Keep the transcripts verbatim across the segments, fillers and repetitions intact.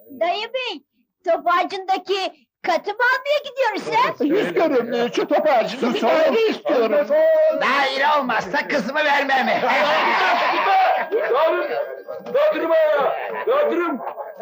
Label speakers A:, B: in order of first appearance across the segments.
A: Dayı bey, top ağacındaki katı mı almaya gidiyoruz ha?
B: İstiyorum, şu top ağacını bir daire istiyorum.
C: Daire olmazsa kızımı vermem.
D: Dağıtırım! Dağıtırım ha! Dağıtırım!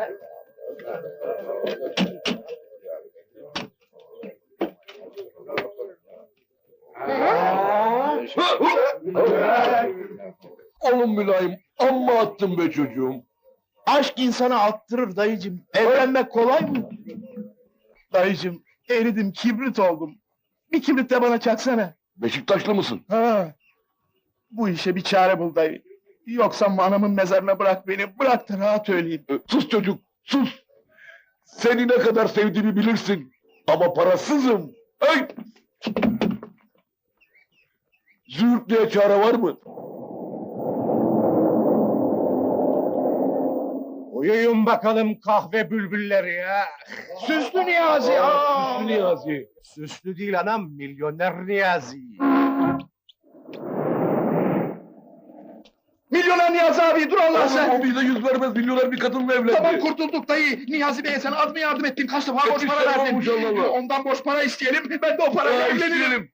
B: Oğlum mülayim, amma attın be çocuğum. Aşk insana attırır dayıcım. Evlenmek kolay mı? Dayıcım, eridim, kibrit oldum. Bir kibrit de bana çaksana.
D: Beşiktaşlı mısın?
B: Ha. Bu işe bir çare bul dayı. Yoksa anamın mezarına bırak beni, bırak da rahat öleyim.
D: E, Sus çocuk, sus! Seni ne kadar sevdiğimi bilirsin. Ama parasızım. Hey! Züğürt diye çare var mı?
B: Uyuyun bakalım kahve bülbülleri ya. Süslü Niyazi, aa!
D: Süslü Niyazi.
B: Süslü değil anam, milyoner Niyazi. Milyoner Niyazi abi, dur Allah
D: Oğlum
B: sen!
D: o bize yüz vermez, milyoner bir kadınla evlendi.
B: Tamam kurtulduk dayı. Niyazi Bey'e sen az mı yardım ettin? Kaç defa borç para
D: Yetişler
B: verdin?
D: olmuş Allah Allah.
B: Ondan borç para isteyelim, ben de o parayla
D: Ha,
B: evlenirim.
D: isteyelim.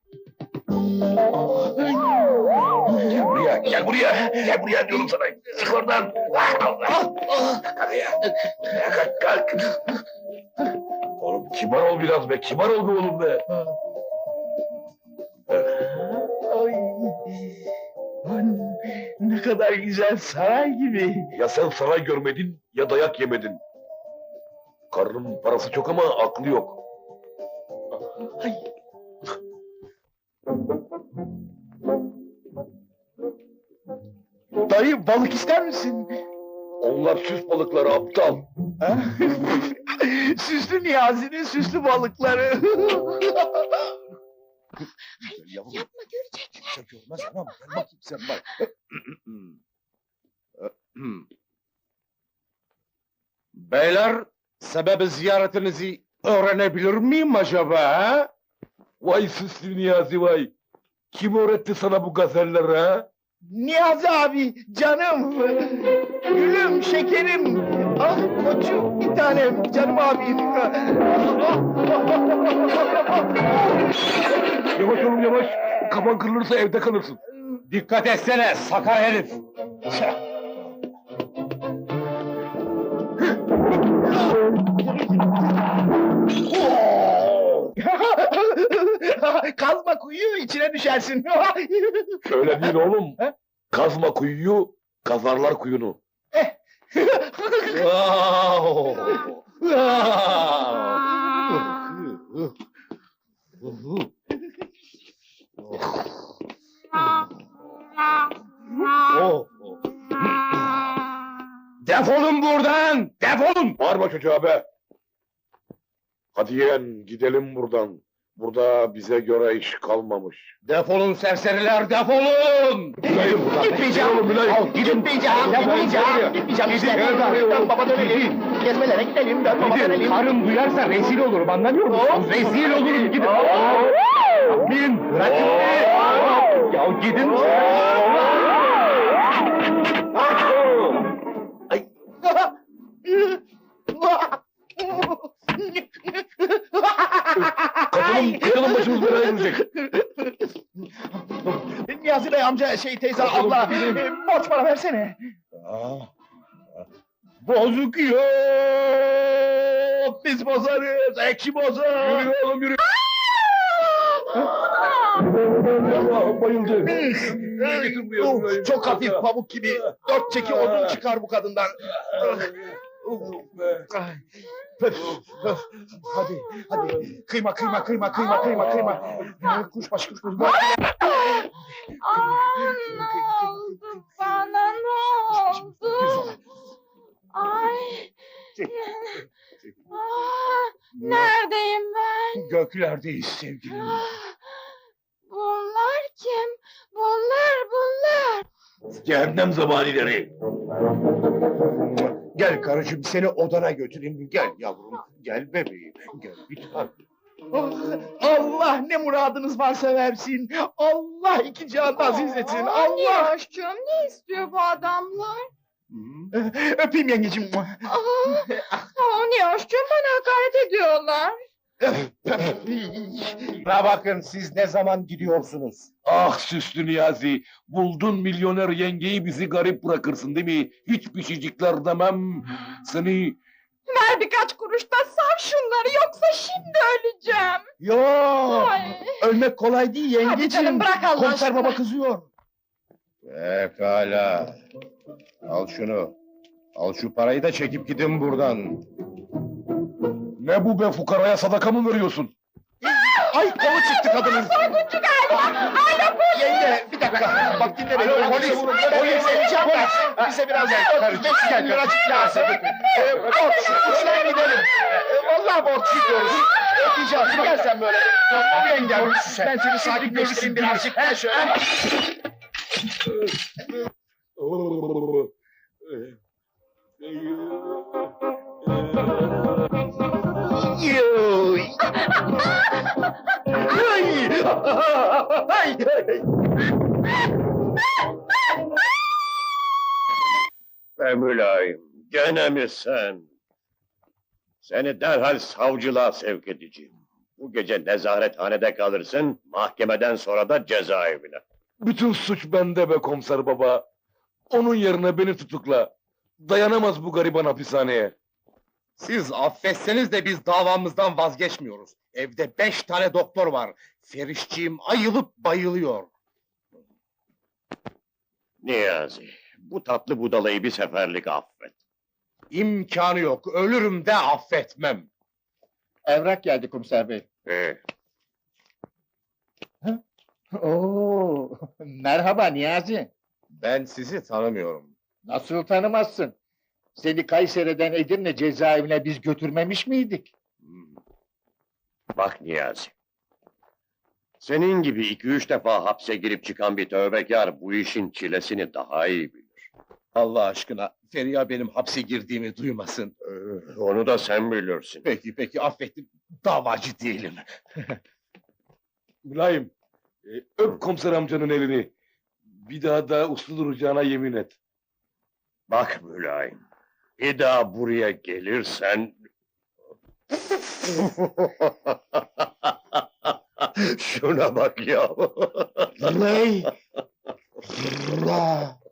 D: Gel buraya, gel buraya, gel buraya diyorum sana. Çık oradan. Allah! Hadi ya. Ya kalk, kalk. Oğlum kibar ol biraz be, kibar ol be oğlum be.
B: Ay, lan, ne kadar güzel, saray gibi.
D: Ya sen saray görmedin, ya dayak yemedin. Karının parası çok ama aklı yok.
B: Ay. Dayı balık ister misin?
D: Onlar süs balıkları aptal.
B: Ha? Süslü Niyazi'nin süslü balıkları.
A: Yapma, görecekler.
B: Sen görmez anam, gel bakayım sen bak. Beyler, sebebi ziyaretinizi öğrenebilir miyim acaba? Ha?
D: Vay süslü Niyazi vay. Kim öğretti sana bu gazelleri ha?
B: Niyazi abi, canım, gülüm, şekerim, ah koçum, bir tanem, canım abim.
D: Yavaş oğlum yavaş. Kafan kırılırsa evde kalırsın.
B: Dikkat etsene, sakar herif. Kazma kuyuyu içine düşersin.
D: Öyle değil oğlum.
B: He?
D: Kazma kuyuyu, kazarlar kuyunu.
B: Defolun buradan! Defolun!
D: Bağırma çocuğa be. Hadi yeğen gidelim buradan. Burada bize göre iş kalmamış.
B: Defolun serseriler, defolun!
D: Mülayim buradan.
B: Gitmeyeceğim!
D: Oğlum Mülayim.
B: Al, Gitmeyeceğim! Gitmeyeceğim! Gitmeyeceğim işte! Dön baba dönelim! Gezmelere gidelim, dön baba dönelim!
C: Karım duyarsa rezil olurum, anlamıyor musun? Rezil olurum, gidin. Gidin, bırakın beni. Ya gidin.
D: Kadının, kadının başımız belaya girecek.
B: Niyazi Bey amca, şey teyze,
D: Bakalım,
B: abla,
D: gidelim.
B: e, borç para versene. Bozuk yok, biz bozarız, ekşi bozar.
D: Yürü oğlum yürü. Allah'ım bayıldı. Getir buraya
B: Of,
D: Mülayim.
B: çok hafif, pamuk gibi, dört çeki odun çıkar bu kadından. Ay, öf, öf. Hadi, hadi, kıyma, kıyma, kıyma, kıyma, kıyma, kıyma. Kuşbaşı, kuşbaşı.
A: Aa, ne oldu bana, ne oldu? Ay. Aa, neredeyim ben?
B: Göklerdeyiz sevgilim.
A: Ah, bunlar kim? Bunlar, bunlar.
D: Cehennem zabanileri.
B: Gel karıcığım, seni odana götüreyim. Gel yavrum, gel bebeğim, gel bir tane. Ah, Allah ne muradınız varsa versin. Allah iki cihanda aziz etsin.
A: Aa,
B: Allah.
A: Niyoş'cum, ne istiyor bu adamlar?
B: Öpeyim yengeciğim.
A: Aa, aa,
E: gidiyorlar.
C: Bana bakın, siz ne zaman gidiyorsunuz?
D: Ah süslü Niyazi, buldun milyoner yengeyi bizi garip bırakırsın değil mi? Hiçbir şeycikler demem, seni...
E: Ver birkaç kuruş da sav şunları, yoksa şimdi öleceğim.
B: Yo,
E: Ay.
B: ölmek kolay değil
E: Hadi
B: yengeciğim.
E: canım, bırak Allah
B: Komiser
E: aşkına.
B: baba kızıyor.
C: Pekala. Al şunu. Al şu parayı da çekip gidin buradan.
D: Ne bu be, fukaraya sadaka mı veriyorsun?
B: Ay kolu çıktı kadının.
E: Soyguncu galiba. Alo polis.
B: Yenge bir dakika. Bak dinle beni.
C: Alo,
B: Polis.
C: polis,
B: Polis. Vereceğim ben. Bize biraz beş yüz liracık lazım. Ee, Borç. Uçlayın gidelim. Ee, Vallahi borç gidiyoruz. Ödeyeceğiz. Gel sen böyle. Tamam yengem. Ben seni sakinleştireyim birazcık. He şöyle. Yuy. Yuy. Ay.
C: Be mülayim, gene mi sen? Seni derhal savcılığa sevk edeceğim. Bu gece nezarethanede kalırsın, mahkemeden sonra da cezaevine.
D: Bütün suç bende be komiser baba. Onun yerine beni tutukla. Dayanamaz bu gariban hapishaneye.
B: Siz affetseniz de biz davamızdan vazgeçmiyoruz. Evde beş tane doktor var. Ferişçiğim ayılıp bayılıyor.
C: Niyazi, bu tatlı budalayı bir seferlik affet.
B: İmkanı yok. Ölürüm de affetmem.
F: Evrak geldi komiser bey.
C: Ee,
F: Oo, merhaba Niyazi.
B: Ben sizi tanımıyorum.
F: Nasıl tanımazsın? Seni Kayseri'den Edirne cezaevine biz götürmemiş miydik?
C: hmm. Bak Niyazi, senin gibi iki üç defa hapse girip çıkan bir tövbekar bu işin çilesini daha iyi bilir.
B: Allah aşkına Feriha benim hapse girdiğimi duymasın.
C: Ee, onu da sen bilirsin.
B: Peki peki affettim. Davacı değilim.
D: Mülayim, e, öp komiser amcanın elini. Bir daha da uslu duracağına yemin et.
C: Bak mülayim, bir daha buraya gelirsen... Şuna bak ya!
B: Lay. La.